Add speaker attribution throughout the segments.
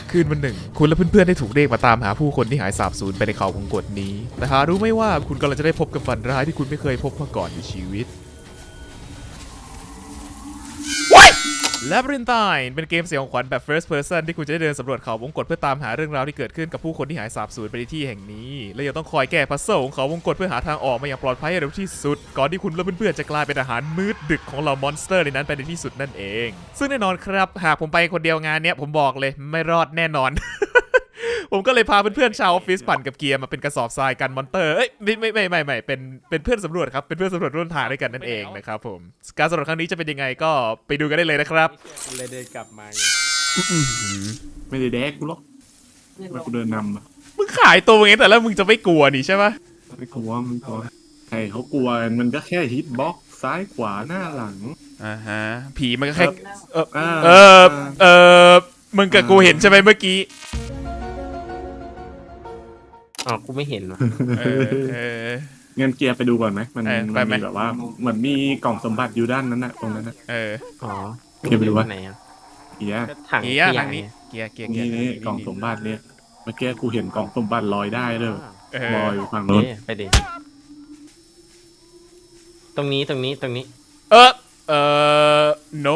Speaker 1: คืนวันหนึ่งคุณและเพื่อนๆได้ถูกเรียกมาตามหาผู้คนที่หายสาบสูญไปในเขาวงกตนี้แต่หารู้ไหมว่าคุณกำลังจะได้พบกับฝันร้ายที่คุณไม่เคยพบมาก่อนในชีวิต Labyrinthine เป็นเกมเสียงขวัญแบบ first person ที่คุณจะได้เดินสำรวจเขาวงกตเพื่อตามหาเรื่องราวที่เกิดขึ้นกับผู้คนที่หายสาบสูญไปในที่แห่งนี้และยังต้องคอยแก้พัซเซิลของเขาวงกตเพื่อหาทางออกมาอย่างปลอดภัยให้เร็วที่สุดก่อนที่คุณและเพื่อนๆจะกลายเป็นอาหารมื้อดึกของเหล่ามอนสเตอร์ในนั้นไปในที่สุดนั่นเองซึ่งแน่นอนครับหากผมไปคนเดียวงานเนี้ยผมบอกเลยไม่รอดแน่นอน ผมก็เลยพาเพื่อนๆชาวออฟฟิศปั่นกับเกียร์มาเป็นกระสอบทรายกันมอนเตอร์เอ้ยไม่เป็นเพื่อนสำรวจครับเป็นเพื่อนสำรวจร่วมทางด้วยกันนั่นเองนะครับผมการสำรวจครั้งนี้จะเป็นยังไงก็ไปดูกันได้เลยนะครับ
Speaker 2: เลยเดินกลับมา
Speaker 3: ไม่ได้แดกกูหรอกมากูเดินนำอะ
Speaker 1: มึงขายตัวเองแต่แล้วมึงจะไม่กลัวนี่ใช่ปะ
Speaker 3: ไม่กลัวมึงกลัวใครเขากลัวกันมันก็แค่ฮิตบ็อกซ้ายขวาหน้าหลัง
Speaker 1: อ่าฮะผีมันก็แค่
Speaker 3: อ่า
Speaker 1: มึงกับกูเห็นใช่ไหมเมื่อกี้
Speaker 2: อ๋อกูไม่เห็นว่ะ
Speaker 1: เออ
Speaker 3: งั้นเกียร์ไปดูก่อนไหมมัน
Speaker 1: ไปไหม
Speaker 3: มีแบบว่าเหมือนมีกล่องสมบัติอยู่ด้านนั้นน่ะตรงนั้นน่ะ
Speaker 1: เออ
Speaker 2: อ๋อ
Speaker 3: เก็บไปดูวะ
Speaker 2: ไหนอ่ะ
Speaker 3: เกียร์
Speaker 2: ก็ถัง
Speaker 1: เกี
Speaker 2: ข
Speaker 1: ยร์
Speaker 2: ยะ
Speaker 1: ทางนี้เกียร์
Speaker 3: นี่กล่องสมบัติเนี่ยเมื่อกี้กูเห็นกล่องสมบัติลอยได้เลย
Speaker 1: เอ
Speaker 3: ลอย
Speaker 1: อ
Speaker 3: อยู่ฝั่งโน้น
Speaker 2: ไปดิตรงนี้
Speaker 1: เออน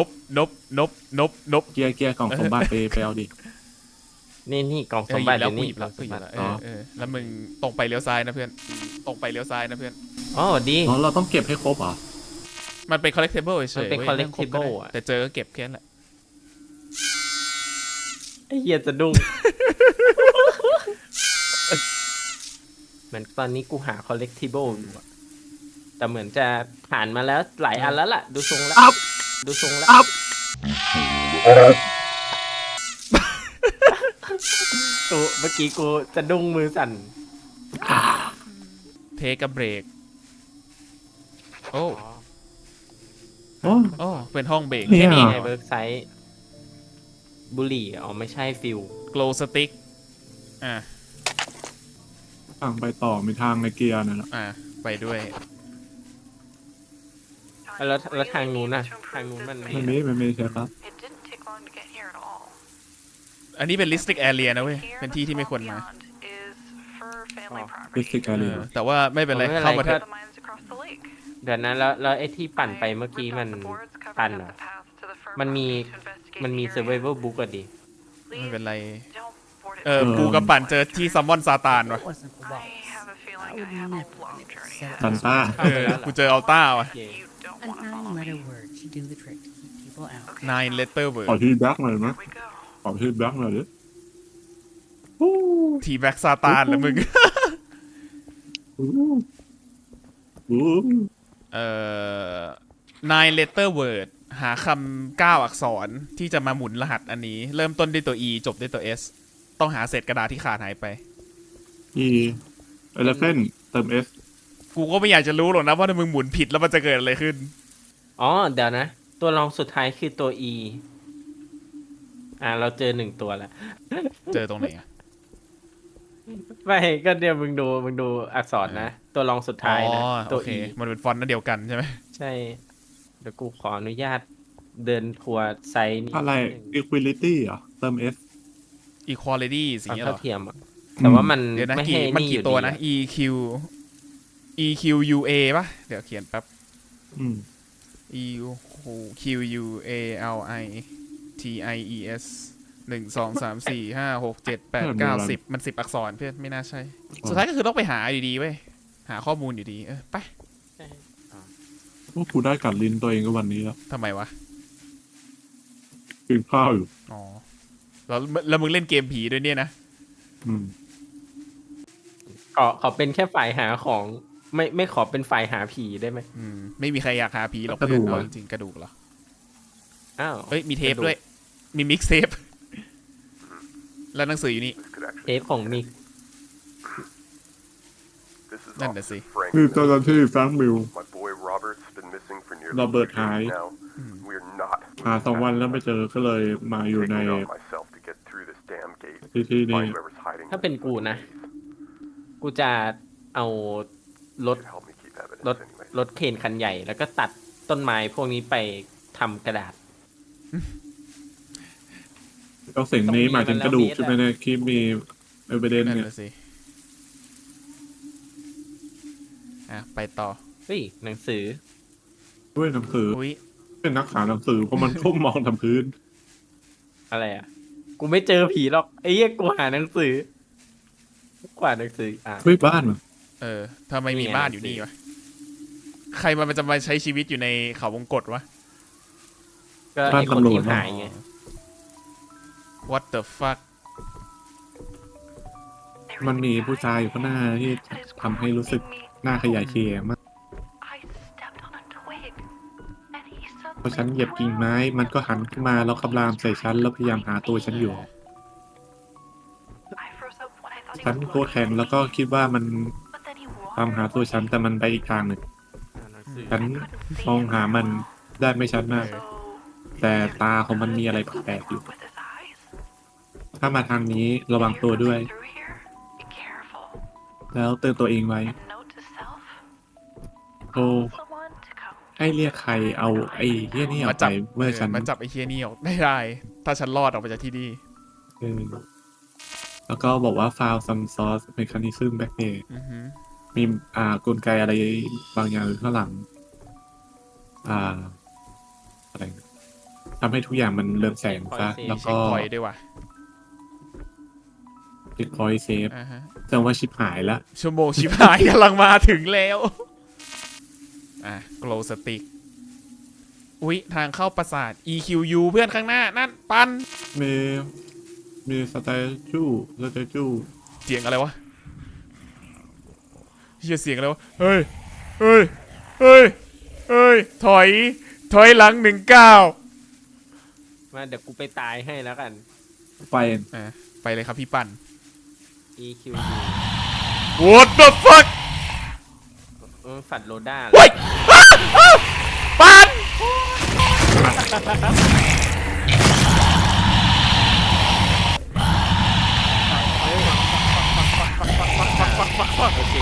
Speaker 1: บ
Speaker 3: เกียร์กล่องสมบัติไปเอาดิ
Speaker 2: นี่กล่อง
Speaker 1: เอ
Speaker 2: ส
Speaker 1: อ
Speaker 2: ม
Speaker 1: หยิ
Speaker 2: บั
Speaker 1: บ
Speaker 2: ติ
Speaker 1: แล้ว
Speaker 2: อยู่
Speaker 1: กู
Speaker 2: นี่
Speaker 1: หยิบแล้ว
Speaker 2: กล่องสมบัติ
Speaker 1: แล้วมึงตรงไปเลี้ยวซ้ายนะเพื่อนตรงไปเลี้ยวซ้ายนะเพื่อน
Speaker 2: อ๋อดี
Speaker 3: อ๋อเราต้องเก็บให้ครบเหรอ
Speaker 1: มันเป็น collectible เฉยๆ
Speaker 2: มันเป็น
Speaker 1: ว้ยรื่องครบก็ได้
Speaker 2: collectible อะ
Speaker 1: แต่เจอก็เก็บแค่นั้นแหละ
Speaker 2: ไอ้เหี้ยจะดุ้งเหมือนตอนนี้กูหา collectible อยู่อะแต่เหมือนจะผ่านมาแล้วหลายอันแล้วล่ะ ดูทรงแล้ว
Speaker 3: อัพ
Speaker 2: ดูทรงแล้ว
Speaker 3: อัพ
Speaker 2: กูเมื่อกี้กูจะดุ้งมือสั่น
Speaker 1: เทกับเบรกโอ้
Speaker 3: โอ้
Speaker 1: โอ้เป็นห้องเบรก
Speaker 3: เนี่
Speaker 2: แค่
Speaker 3: ย
Speaker 2: นี้ไงเวิร์กไซต์บุหรี่อ๋อไม่ใช่ฟิล
Speaker 1: glow stick อ่ะ
Speaker 3: ทางไปต่อมีทางในเกียร์นั่นแหละ
Speaker 1: ไปด้วย
Speaker 2: แล้วทางนู้นน่ะทางนู้นมัน
Speaker 3: มันมีใช่ครับ
Speaker 4: It didn't take long to get here at all.
Speaker 1: อันนี้เป็น listed area นะเว้ย เป็นที่ที่ไม่ควรมา
Speaker 4: Is for family
Speaker 3: ดิส
Speaker 4: property.
Speaker 3: ติกอะไร
Speaker 1: แต่ว่าไม่เป็นไร เข้ามาเถอะ
Speaker 4: The mines across the lake.
Speaker 2: เดี๋ยวนั้นแล้วไอ้ที่ปั่นไปเมื่อกี้
Speaker 4: I
Speaker 2: มัน
Speaker 4: ripped off the boards covering
Speaker 2: ปั่น
Speaker 4: up
Speaker 2: เหรอ
Speaker 4: the path to the firm
Speaker 2: มันมี
Speaker 4: to investigate
Speaker 2: มันมี
Speaker 4: the area.
Speaker 2: survival book อะดิ
Speaker 1: ไม่เป็นไร
Speaker 4: Don't board it.
Speaker 1: กูกับปั่นเจอที่ซัมมอนซาตานว่ะ
Speaker 4: I have a feeling I have a long journey
Speaker 3: ซัน
Speaker 4: ahead.
Speaker 3: ต้า
Speaker 1: กูเจออัลต้าว่ะ
Speaker 2: เย้
Speaker 4: You don't
Speaker 5: A
Speaker 4: want to follow
Speaker 5: nine-letter
Speaker 4: me.
Speaker 5: word should do the trick to keep people out.
Speaker 1: nine letter
Speaker 3: ขอ
Speaker 1: word
Speaker 3: ที่แบ็กหน่อยไหม
Speaker 4: Here we go.
Speaker 3: ขอที่แบ็กหน่อยดิ
Speaker 1: ทีแบ็กซาตานเหรอมึง
Speaker 3: อู้อู้
Speaker 1: nine letter word หาคำ9 อักษรที่จะมาหมุนรหัสอันนี้ เริ่มต้นด้วยตัว e จบด้วยตัว s ต้องหาเศษกระดาษที่ขาดหายไป
Speaker 3: อีเอเลฟเฟนเติมเอส
Speaker 1: กูก็ไม่อยากจะรู้หรอกนะว่าถ้ามึงหมุนผิดแล้วมันจะเกิดอะไรขึ้น
Speaker 2: อ๋อเดี๋ยวนะ ตัวรองสุดท้ายคือตัว E เราเจอ1ตัวแล้ว
Speaker 1: เจอตรงไหนอะ
Speaker 2: ไม่ก็เดี๋ยวมึงดูอักษรนะ ตัวรองสุดท้ายนะ
Speaker 1: โอ
Speaker 2: ตัว
Speaker 1: เค
Speaker 2: E
Speaker 1: มันเป็นฟอนต์นั่นเดียวกันใช่ไหม
Speaker 2: ใช่ เดี๋ยวกูขออนุญาตเดินทัวร์ไซต์นี้
Speaker 3: อะไร equality เหรอเติมเอส
Speaker 1: equality สิ่
Speaker 2: ความ
Speaker 1: งเงี้ยเหร
Speaker 2: เท่า
Speaker 1: อ
Speaker 2: เทียมอะแต่ว่ามัน
Speaker 1: เดี๋ยวนะ
Speaker 2: ไม่
Speaker 1: กี่
Speaker 2: ให้
Speaker 1: มัน
Speaker 2: นี่อ
Speaker 1: กี่
Speaker 2: ยู่
Speaker 1: ตัว
Speaker 2: ดี
Speaker 1: นะ
Speaker 2: อะ
Speaker 1: EQ UA ป่ะ เดี๋ยวเขียนแป๊บ
Speaker 3: อืม
Speaker 1: EQ UALITIES 1 2 3 4 5 6 7 8 9 10มัน10 อักษรเพื่อนไม่น่าใช่ สุดท้ายก็คือต้องไปหาอยู่ดีเว้ย หาข้อมูลอยู่ดี ไป
Speaker 3: พวกกูได้กัดลิ้นตัวเองก็วันนี้แล้ว
Speaker 1: ทำไมวะ
Speaker 3: กินข้าวอยู่
Speaker 1: อ๋อ แล้วมึงเล่นเกมผีด้วยเนี่ยนะ
Speaker 3: อืม
Speaker 2: ขอเป็นแค่ฝ่ายหาของ ไม่ขอเป็นฝ่ายหาผีได้ไหม
Speaker 1: ไม่มีใครอยากหาผีหรอก
Speaker 3: กระดู
Speaker 1: เพื่อน
Speaker 3: ก
Speaker 1: เอา
Speaker 3: อะ
Speaker 1: จริงๆกระดูกเหรอ
Speaker 2: อ้าว
Speaker 1: เฮ้ย มีเทปด้วย มีมิกเทป แล้วหนังสืออยู่นี่
Speaker 2: เทปของมิก
Speaker 1: นั่นน่ะสิ
Speaker 3: คือเจ้าหน้าที่แฟรงค์มิล
Speaker 6: My boy Robert's been missing for nearly
Speaker 3: Robert
Speaker 6: 2 days
Speaker 3: หาย
Speaker 6: now. We're not
Speaker 3: หา2 วันแล้วไม่เจอก็เลยมาอยู่ใน
Speaker 6: taking off myself to get through this damn gate.
Speaker 3: ที่นี่
Speaker 6: Find whoever's hiding.
Speaker 2: ถ้าเป็นกูนะ กูจะเอารถ
Speaker 6: Help me keep evidence
Speaker 2: รถ
Speaker 6: anyway.
Speaker 2: รถเคนคันใหญ่ แล้วก็ตัดต้นไม้พวกนี้ไปทำกระดาษ
Speaker 3: ก็สิ่งนี้หมายถึงกระดูกใช่ไหมเนี่ยคลิปมีเอเวเดน
Speaker 1: นั่น
Speaker 3: เนี่ย
Speaker 1: แหละสิไปต่อ
Speaker 2: เฮ้ยหนังสือ
Speaker 3: ด้วยหนังสือ
Speaker 1: อุ้ย
Speaker 3: เป็นนักหาหนังสือเพราะมันก้มมองทำพื้น
Speaker 2: อะไรอ่ะ กูไม่เจอผีหรอกไอ้เหี้ยกูหาหนังสือกว่าหนังสือ
Speaker 3: เฮ้ยบ้านมัน
Speaker 1: ทำไมมีบ้านอยู่นี่วะใครมันจะมาใช้ชีวิตอยู่ในเขาวงกตวะ
Speaker 2: ก็ไอ้คนที่หายไง
Speaker 1: What the fuck
Speaker 3: มันมีผู้ชายอยู่ข้างหน้าที่ทำให้รู้สึกหน้าขยายเคมาก
Speaker 4: I stepped on a twig, and he
Speaker 3: พอ
Speaker 4: suddenly
Speaker 3: ฉันเหยียบกิ่งไม้ มันก็หันขึ้นมาแล้วคำรามใส่ฉันแล้วพยายามหาตัวฉันอยู่
Speaker 4: I froze up when I thought he
Speaker 3: ฉัน
Speaker 4: was
Speaker 3: โคตรแข็งแล้วก็คิดว่ามัน
Speaker 4: but then he
Speaker 3: ตามหาตัวฉันแต่มันไปอีกทางหนึ่ง
Speaker 2: หนังสือ
Speaker 3: ฉันมองหามันได้ไม่ชัดมาก
Speaker 4: so
Speaker 3: แต่ตาของมันมีอะไรแปลกๆอยู่
Speaker 4: with his eyes.
Speaker 3: ถ้ามาทางนี้ระวังตัวด้วย
Speaker 4: Through here, be careful.
Speaker 3: แล้วเตือนตัวเองไว้
Speaker 4: And note to self,
Speaker 3: โอ้
Speaker 4: someone to come.
Speaker 3: ให้เรียกใครเอาไอ้เหี้ยนี่ออกไปเมื่อฉัน
Speaker 1: มาจับไอ้เคียนี่ออกได้ ถ้าฉันรอดออกไปจากที่นี่
Speaker 3: เออแล้วก็บอกว่า found some source mechanism back there
Speaker 1: อือหือ
Speaker 3: มีกลไกอะไรบางอย่างอยู่ข้างหลัง อะไรทำให้ทุกอย่างมันเริ่มแสงซะแล้ว
Speaker 1: เช็
Speaker 3: ก็
Speaker 1: คพอยต์ด้วยว่ะ
Speaker 3: เช็คพอยต์เซฟ
Speaker 1: อ่าฮะ
Speaker 3: แสดงว่าชิปหายละ
Speaker 1: ชั่วโมงชิบหายกำลังมาถึงแล้ว glow stick อุ๊ย ทางเข้าปราสาท EQU เพื่อนข้างหน้า นั่น ปัน
Speaker 3: มีสเตจู
Speaker 1: เสียงอะไรวะเฮียเสียงอะไรวะ เฮ้ย เฮ้ย เฮ้ย เฮ้ย ถอยหลัง19
Speaker 2: มาเดี๋ยวกูไปตายให้แล้วกัน
Speaker 3: ไป
Speaker 1: ไปเลยครับพี่ปัน
Speaker 2: EQ
Speaker 1: What the fuck
Speaker 2: ฝัดโรด้า
Speaker 1: เฮ้ยปัน
Speaker 2: โอเค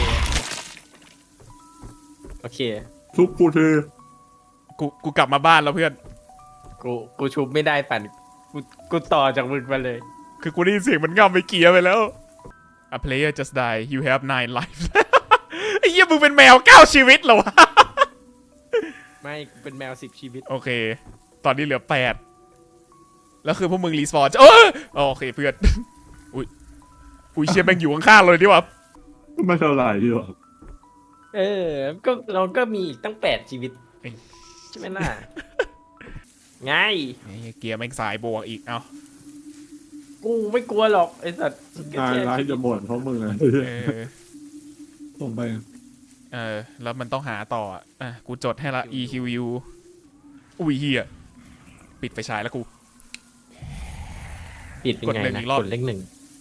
Speaker 2: โอเค
Speaker 3: ทุกกูเธอ
Speaker 1: กูกลับมาบ้านแล้วเพื่อน
Speaker 2: กูชุบไม่ได้ปั่นกูต่อจากมึงมาเลย
Speaker 1: คือกูได้ยินเสียงมันง่ำไปเกียร์ไปแล้ว A player just died you have 9 lives ไอ้เหี้ยมึงเป็นแมว9ชีวิตเหรอวะ
Speaker 2: ไม่กูเป็นแมว10 ชีวิต
Speaker 1: โอเค ตอนนี้เหลือ8แล้วคือพวกมึงรีสปอนโอเคเพื่อน อุ้ยเชียแม่งอยู่ข้างๆเลยดิวะ
Speaker 3: ไม่เท่าไหร่ดีหรอก
Speaker 2: ก็เราก็มีอีกตั้ง8 ชีวิต ใช่ไหมล่ะ ไง
Speaker 1: เกียร์แม่งสายบวกอีก เอ้า
Speaker 2: กูไม่กลัวหรอกไอ้สัตว์
Speaker 3: นายร้ายจะบ่นเพราะมึงอะ ส่งไป
Speaker 1: แล้วมันต้องหาต่อกูจดให้ละ EQU อุ้ยเฮียปิดไฟฉายแล้วกู
Speaker 2: ปิดเป็นไง
Speaker 1: กดหนึ่ง
Speaker 2: นะ
Speaker 1: อีกรอบ
Speaker 2: กดเลข 1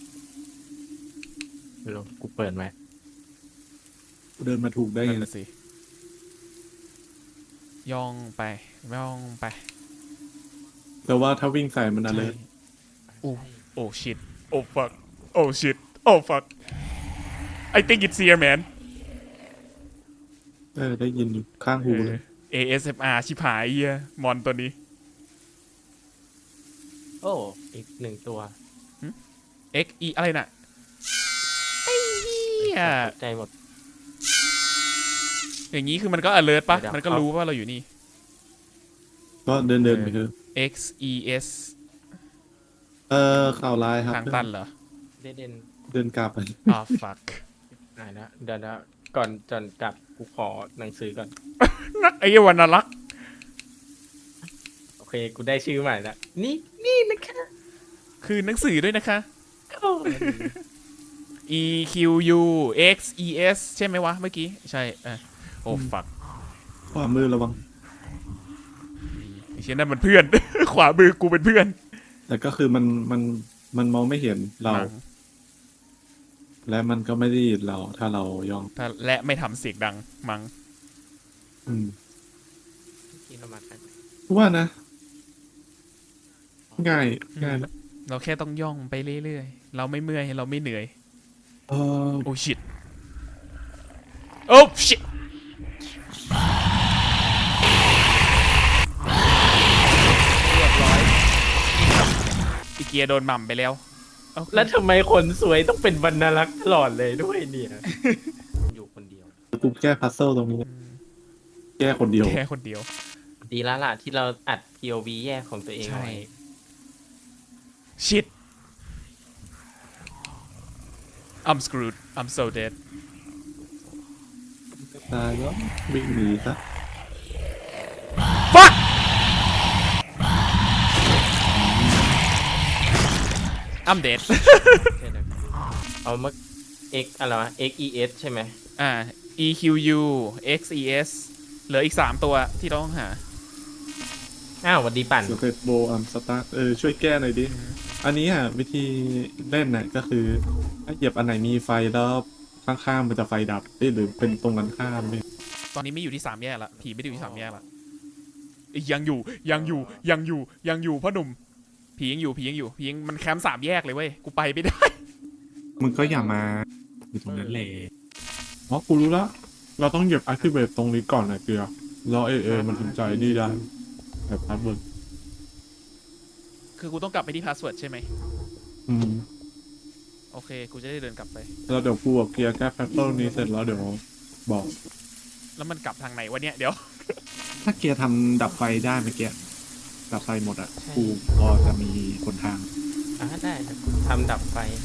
Speaker 2: ลองกูเปิดไหม
Speaker 3: เดินมาถูกได้ไง
Speaker 1: นั่นนะสิ ย่องไป
Speaker 3: แต่ว่าถ้าวิ่งใส่มันอะไร
Speaker 1: โอ้ชิตโอ้ fuck โอ้ชิตโอ้ fuck I think it's here man
Speaker 3: ได้ยินอยู่ข้างหูเลย
Speaker 1: ASMR ชิบหายเฮียมอนตัวนี้
Speaker 2: โอ้อีก1 ตัว
Speaker 1: XE อะไรน่ะไอ้เหี้ย
Speaker 2: ตกใจหมด
Speaker 1: อย่างนี้คือมันก็ alert ปะ
Speaker 2: เดี๋ยว
Speaker 1: มันก็รู้ว่าเราอยู่นี่
Speaker 3: ก็เดินไปเถอะ
Speaker 1: XES
Speaker 3: ข่าวร้ายครับ
Speaker 1: ทางตันเหรอ
Speaker 2: เด่น
Speaker 3: เดินกลับไป
Speaker 1: fuck
Speaker 2: ได้แล้วเดี๋ยวก่อนจนกลับกูขอหนังสือก่อน
Speaker 1: นักไอ้เหี้ยวันน่ารัก
Speaker 2: โอเค กูได้ชื่อใหม่แล้วนี่นะคะ
Speaker 1: คือหนังสือด้วยนะคะ
Speaker 2: โอ้
Speaker 1: EQU XES ใช่ไหมวะเมื่อกี้ ใช่โอ้ fuck
Speaker 3: ขวามือระวัง
Speaker 1: ไอ้เชี่ยนั่นมันเพื่อน ขวามือกูเป็นเพื่อน
Speaker 3: แต่ก็คือมันมองไม่เห็นเรา
Speaker 1: มั้ง
Speaker 3: และมันก็ไม่ได้ยินเราถ้าเราย่อง
Speaker 1: ถ้าและไม่ทำเสียงดังมั้ง
Speaker 2: ที่เรามากัน
Speaker 3: ว่านะ ง่ายนะ
Speaker 1: เราแค่ต้องย่องไปเรื่อยๆ เราไม่เมื่อยเราไม่เหนื่อย โอ้ shit โอ้ shit
Speaker 2: เรียบร้อย
Speaker 1: อีกเกียร์โดนหม่ำไปแล้วโอเค
Speaker 2: แล้วทำไมคนสวยต้องเป็นวรรณลักษณ์ตลอดเลยด้วยเนี่ย อยู่คนเดียว
Speaker 3: กูแก้พัซเซิลตรงนี้ แก้คนเดียว
Speaker 1: แค่คนเดียว
Speaker 2: ดีแล้วล่ะที่เราอัด POV แยกของตัวเอง
Speaker 1: ใช่
Speaker 2: ไว้
Speaker 1: shit I'm screwed I'm so dead
Speaker 3: ตายแล้ววิ่งหนีซะ
Speaker 1: fuck I'm dead
Speaker 2: เอามา X อะไรวะ XES ใช่ไหม
Speaker 1: EQU XES เหลืออีก3ตัวที่เราต้องหา
Speaker 2: อ้าวสวัสดีปั่น
Speaker 3: สเตตโบอัมสตาร์ช่วยแก้หน่อยดิ อันนี้วิธีเล่นน่ะก็คือถ้าเหยียบอันไหนมีไฟแล้วข้างๆมันจะไฟดับหรือเป็นตรงกันข้ามเนี่ย
Speaker 1: ตอนนี้ไม่อยู่ที่3แยกละผีไม่ได้อยู่ที่3แยกละยังอยู่พ่อหนุ่มผียังอยู่มันแคมป์3แยกเลยเว้ยกูไปไม่ได้
Speaker 3: มึงก็อย่ามาอยู่ตรงนั้นแหละอ๋อกูรู้ละเราต้องเหยียบ activate ตรงนี้ก่อนนะเกลือแล้วมันถึงใจดีได้แบบพาสเวิร์ด
Speaker 1: คือกูต้องกลับไปที่พาสเวิร์ดใช่ไหม
Speaker 3: ม
Speaker 1: โอเคกูจะได้เดินกลับไป
Speaker 3: แล้วเดี๋ยวกูกับเกียร์แก้พัซเซิลนี้เสร็จแล้วเดี๋ยวบอก
Speaker 1: แล้วมันกลับทางไหนวะเนี่ยเดี๋ยว
Speaker 3: ถ้าเกียร์ทำดับไฟได้เมื่อกี้ดับไฟหมดอ่ะกูพอจะมีคนทาง
Speaker 2: ได้เดี๋ยวกูทำดับไฟให้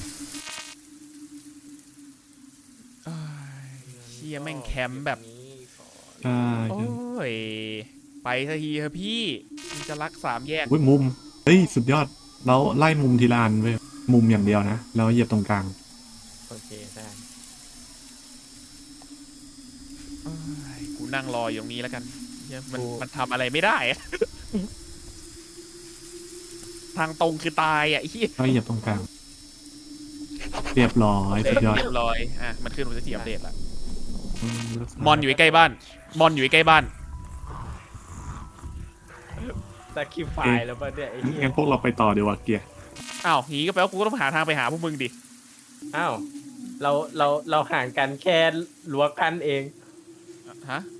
Speaker 1: เชี่ยแม่งแคมป์แบบ
Speaker 3: ใช่
Speaker 1: โอ้ยไปสักทีเถอะพี่มันจะรัก3แยก
Speaker 3: เว้ยมุมเฮ้ยสุดยอดแล้วไล่มุมทีละอันเว้ยมุมอย่างเดียวนะแล้วเหยียบตรงกลาง
Speaker 2: โอเคได้
Speaker 1: เอ้ยกูนั่งรออยู่ตรงนี้แล้วกันเหี้ยมันทำอะไรไม่ได้อะ ทางตรงคือตายอ่ะไอ้เหี้ย
Speaker 3: แล้วเหยียบตรงกลางเรียบร้อยสุดยอด
Speaker 1: เรียบร้อยมันขึ้นมันจะทีอัปเดตละ
Speaker 3: อื
Speaker 1: มอนอยู่ใกล้บ้าน มอนอยู่ใกล้บ้าน
Speaker 2: ตะคิวไฟล์แล้วป่ะเนี่ยไอ้เหี้ย
Speaker 3: งั้นพวกเราไปต่อดีกว่าเกียร์
Speaker 1: อ้าวงี้ก็แปลว่ากูก็ต้องหาทางไปหาพวกมึงดิ
Speaker 2: อ้าวเราห่างกันแค่รั้วกันเอง
Speaker 1: ฮะ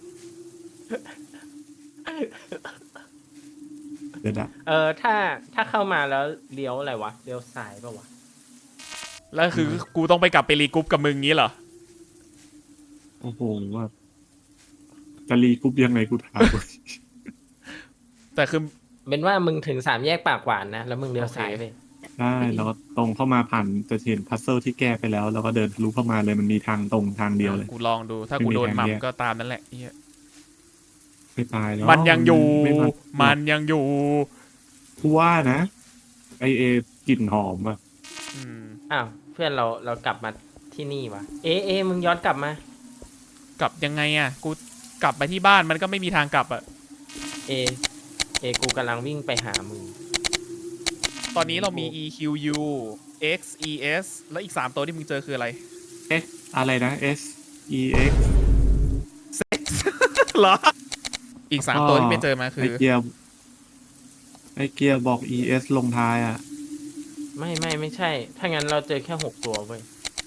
Speaker 3: เดี๋ยวนะ
Speaker 2: ถ้าเข้ามาแล้วเลี้ยวอะไรวะเลี้ยวซ้ายป่ะวะ
Speaker 1: แล้วคือกูต้องไปกลับไปรีกรุ๊ปกับมึงงี้เหรอ
Speaker 3: โอ้โหว่าจะรีกรุ๊ปยังไงกูถาม
Speaker 1: แต่คือ
Speaker 2: เป็นว่ามึงถึง3แยกปากหวานนะแล้วมึงเลี้ยวซ้ายไป
Speaker 3: ได้แล้วก็ตรงเข้ามาผ่านจะเห็นพัซเซิลที่แก้ไปแล้วแล้วก็เดินทะลุเข้ามาเลยมันมีทางตรงทางเดียวเลย
Speaker 1: กูลองดู ถ้ากูโดนหม่ำก็ตามนั้นแหละเหี้ย
Speaker 3: ไม่ตายแล้ว
Speaker 1: มันยังอยู่
Speaker 3: ไ
Speaker 1: มันยังอยู่
Speaker 3: กูว่านะกลิ่นหอมอ่ะ
Speaker 1: อืม
Speaker 2: อ้าวเพื่อนเรากลับมาที่นี่วะมึงย้อนกลับมาก
Speaker 1: ลับยังไงอ่ะ กูกลับไปที่บ้านมันก็ไม่มีทางกลับอ่ะ
Speaker 2: กูกำลังวิ่งไปหามึง
Speaker 1: ตอนนี้เรามี EQU XES แล้วอีก3ตัวที่มึงเจอคืออะไร
Speaker 3: X อะไรนะ SEX
Speaker 1: เหรอ อีก3ตัวที่ไม่เจอมาคื
Speaker 3: ไอ
Speaker 1: อ
Speaker 3: เกียร์บอก ES ลงท้ายอ่ะ
Speaker 2: ไม่ใช่ ถ้างั้นเราเจอแค่6ตัวเว้ย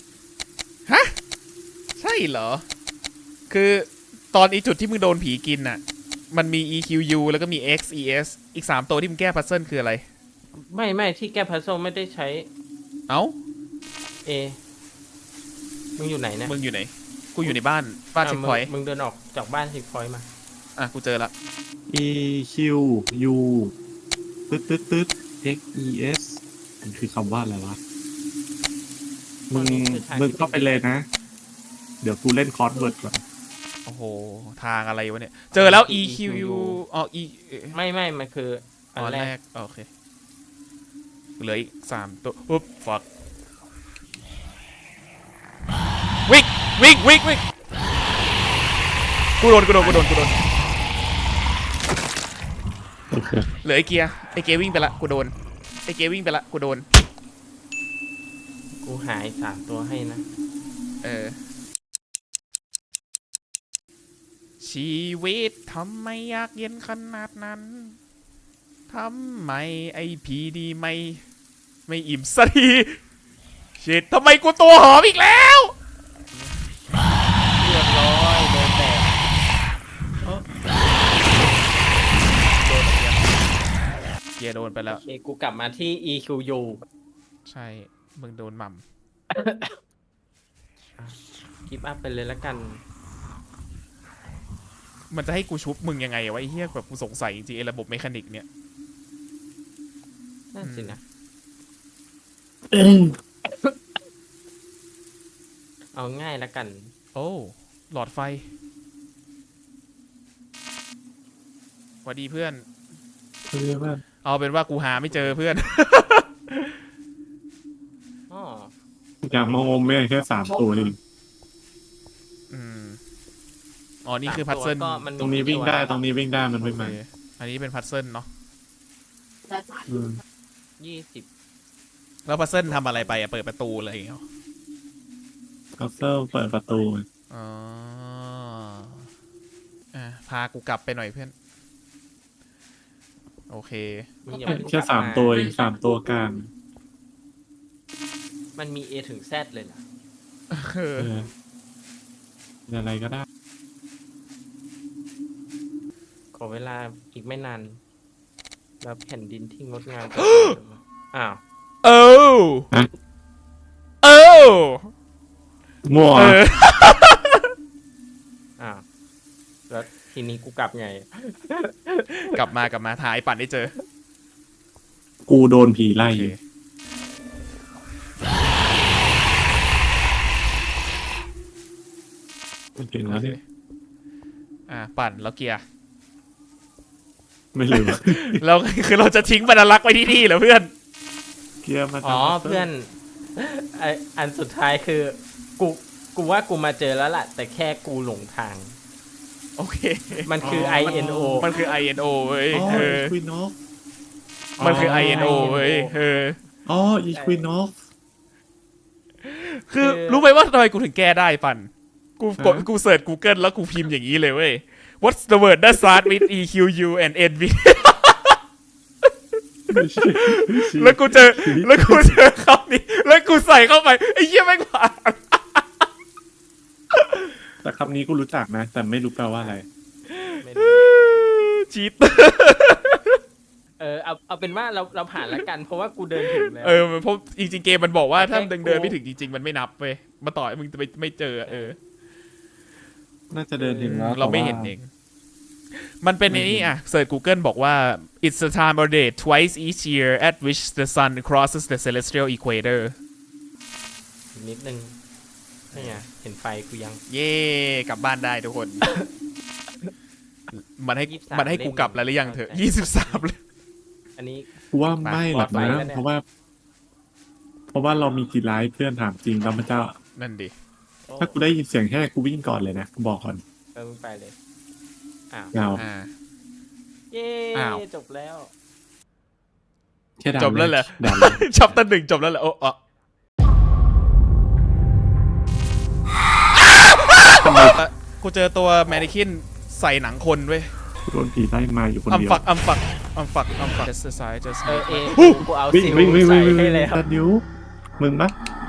Speaker 1: ใช่เหรอ คือตอนอีจุดที่มึงโดนผีกินน่ะ มันมี EQU แล้วก็มี XES อีก3ตัวที่มึงแก้พัซเซิลคืออะไร
Speaker 2: ไม่ที่แก้พัซโซลไม่ได้ใช้
Speaker 1: เอ้า
Speaker 2: มึงอยู่ไหนนะ
Speaker 1: มึงอยู่ไหน กูอยู่ในบ้านเช็คพอยต์
Speaker 2: มึงเดินออกจากบ้านเช็คพอยต์มา
Speaker 1: กูเจอละ
Speaker 3: EQU ตึ๊ด XES มันคือคำว่าอะไรวะ มึงเข้าไปเลยนะ เดี๋ยวกูเล่นคอร์สเวิร์ดก่อน
Speaker 1: โอ้โห ทางอะไรวะเนี่ย เจอแล้ว EQU อ๋อ
Speaker 2: ไม่มันคืออันแรก
Speaker 1: โอเค เหลืออีก3ตัวอุ๊บฟักวิ่งกูโดน
Speaker 3: โอเค
Speaker 1: เหลือไอเกียร์วิ่งไปละกูโดน
Speaker 2: กูหาย3ตัวให้นะ
Speaker 1: ชีวิตทำไมยากเย็นขนาดนั้นทำไมไอพีดีไม่อิ่มสักทีชิดทำไมกูตัวหอมอีกแล้ว
Speaker 2: เรียบร้อยโดนแตก
Speaker 1: เกีกียร์โดนไปแล้ว
Speaker 2: โอเคกูกลับมาที่ EQU
Speaker 1: ใช่มึงโดนหม่
Speaker 2: กิฟต์อัพไปเลยละกัน
Speaker 1: ำมันจะให้กูชุบมึงยังไงวะไอ้เหี้ยแบบกูสงสัยจริงๆไอ้ระบบเมคานิกเนี่ย
Speaker 2: นั่นสินะ เอาง่ายละกัน
Speaker 1: โอ้หลอดไฟสวัสดีเพื่อน
Speaker 3: เรียกว่า
Speaker 1: เอาเป็นว่ากูหาไม่เจอเพื่อน
Speaker 2: อ๋อ
Speaker 3: อย่างมองมแม่แค่3 ตัวเอง
Speaker 1: อืมอ๋อนี่คือพัซเซิล
Speaker 2: ก็มันมี
Speaker 3: ตรงนี้วิ่งได้ตรงนี้วิ่งได้มัน
Speaker 1: โอ
Speaker 3: วิ่ง
Speaker 1: เค
Speaker 3: มา
Speaker 1: อันนี้เป็นพัซเซิลเนาะ
Speaker 3: อืม
Speaker 2: 20
Speaker 1: แล้วพัซเซิลทำอะไรไปอะเปิดประตูอะไรอย่างเงี้ย
Speaker 3: คัสเซิลเปิดประตู
Speaker 1: อ๋อพากูกลับไปหน่อยเพื่อน โอเค
Speaker 2: มึงอย่าเพิ่ง
Speaker 3: แค่
Speaker 2: กลับ
Speaker 3: 3 ตัวเอง3 ตัวกลาง
Speaker 2: มันมี A ถึง Z เลยล่ะ
Speaker 3: เอออะไรก็ได้
Speaker 2: ขอเวลาอีกไม่นาน แล้วแผ่นดินที่งดงามจะ อ้าว
Speaker 1: โอ้
Speaker 3: ฮะ
Speaker 1: โอ้
Speaker 3: มั่ว
Speaker 1: เออ
Speaker 2: อ้าว แล้วทีนี้กูกลับไง
Speaker 1: กลับมาถ่ายปั่นได้เจอ
Speaker 3: กูโดนผีไล่
Speaker 1: โอเค
Speaker 3: มันถึงแล้วเนี่ย
Speaker 1: ปั่นแล้วเกียร์
Speaker 3: ไม่ลืม
Speaker 1: เราคือเราจะทิ้งบรรลักษ์ไว้ที่นี่เหรอเพื่อน
Speaker 3: เกียร์มา
Speaker 2: อ๋อเพื่อนไออันสุดท้ายคือ กูว่ากูมาเจอแล้วล่ะ แต่แค่กูหลงทาง
Speaker 1: โอเค
Speaker 2: มันคือ INO
Speaker 1: มันคือ INO เว้ย
Speaker 3: อ๋อ
Speaker 1: เออ
Speaker 3: อีควินอฟ
Speaker 1: มันคือ INO เว้ยเออ
Speaker 3: อ๋ออีควินอฟ
Speaker 1: คือ
Speaker 2: คือ
Speaker 1: รู้ไหมว่าทำไมกูถึงแก้ได้ปั่น
Speaker 3: ฮะ
Speaker 1: กูเสิร์ช Google แล้วกูพิมพ์อย่างนี้เลยเว้ย What's the word that start with EQU and NV แล้วกูเจอคำนี้ แล้วกูใส่เข้าไปไอ้เหี้ยแม่งผ่าน
Speaker 3: แต่คำนี้กูรู้จักนะ แต่ไม่รู้แปลว่าอะไร
Speaker 2: ไม่รู้
Speaker 1: ชีต
Speaker 2: เอาเป็นว่าเราผ่านแล้วกัน เพราะว่ากูเดินถึงแล้ว
Speaker 1: เพราะจริงๆเกมมันบอกว่าถ้า
Speaker 2: แค่
Speaker 1: เดินไม่ถึงจริงๆมันไม่นับเว้ยมาต่อให้มึงจะไม่เจอ
Speaker 3: น่าจะเดินถึงแล้ว
Speaker 1: เราไม่เห็นเอง มันเป็นในนี้อ่ะเสิร์ช Google บอกว่า it's the time of day twice each year at which the sun crosses the celestial equator
Speaker 2: นิดนึงนี่ไงเห็นไฟกูยัง
Speaker 1: เย่กลับบ้านได้ทุกคน มันให้
Speaker 2: 23
Speaker 1: มันให้กูกลับแล้วหรือยังเถอะ23เลย
Speaker 2: อันนี้
Speaker 3: กูว่าไม่หรอก
Speaker 2: ปลอดภัย
Speaker 3: นะ
Speaker 2: แล้วเนี่ย
Speaker 3: เพราะว่าเรามีกี่ไลฟ์เพื่อนถามจริงแล้วมันจะ
Speaker 1: นั่นดิ
Speaker 2: โอ้
Speaker 3: ถ้ากูได้ยินเสียงแค่กูวิ่งก่อนเลยนะกูบอกก่อน
Speaker 2: มึงไปเลย อ้าว
Speaker 3: ยาว
Speaker 2: เย้
Speaker 1: อ้าว
Speaker 2: จบแล้ว
Speaker 3: แค่ด่า
Speaker 1: จบแล้วเหรอ
Speaker 3: ด่าเลย
Speaker 1: ชัปเตอร์ 1จบแล้วเหรอโอ้กูเจอตัวแมนนิคินใส่หนังคนเว้ย
Speaker 3: กูโดนผีไล่มาอยู่คน
Speaker 1: อัม
Speaker 3: เดียว
Speaker 1: ฟักjust the side just
Speaker 2: เอ
Speaker 1: make
Speaker 2: กูเอา
Speaker 3: วิ่ง
Speaker 2: ซิล
Speaker 3: วิ่งวิ่ง
Speaker 2: ใส่
Speaker 3: วิ่ง
Speaker 2: ให้
Speaker 3: วิ่ง
Speaker 2: แล้ว
Speaker 3: ตัดนิ้วมึงปะ